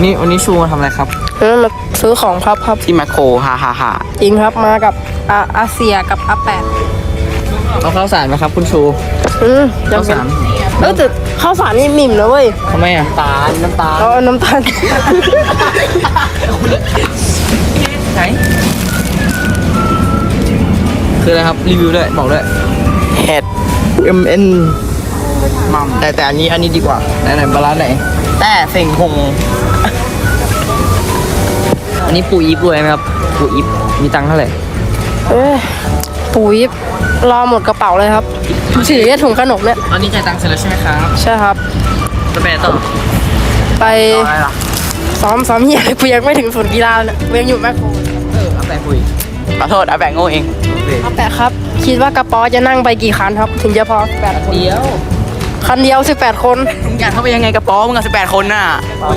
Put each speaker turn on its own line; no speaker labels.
วันนี้ชูมาทำอะไรครับ
มาซื้อของครับ
ที่แมคโครฮ่า
จริงครับมากับอาเซียกับอาแปด
เอาข้าวสารไหมครับคุณชู
จำเป็นแต่ข้าวสารนี่มิ่มนะเว้ย
ทำไมอ่ะน้ำตาล
เอาน้ำตาล
ไหนคืออะไรครับรีวิวด้วยบอกด้วยเห็ด MN มัมแต่อันนี้ดีกว่าไหนบาลานซ์ไหนแต่เสิ่งหงอันนี้ปูอีฟด้วยไหมครับปูอีฟมีตังค์เท่าไหร่
ปุ๋ยรอหมดกระเป๋าเลยครับถือแค่ถุงขนมเนี่ย
อันนี้จ่ายตังค์เสร็จแล้วใช่ไหมครับ
ใช่ครับ
จะไปต่อ
ไป
อะไรล่ะ
ซ้อมเหี้ยกูยังไม่ถึงศูนย์กีฬาเลยกูยังอยู่แม่โคร
เอาแปะคุยขอโทษเอาแปะโง่เอง
อาแปดครับคิดว่ากระป๋อจะนั่งไปกี่คันครับ ถึงจะพอ8 คน
เดียว
คันเดียว18 คน
มึงอยากเข้าไปยังไงกระป๋อมึงกับ18 คนน่ะ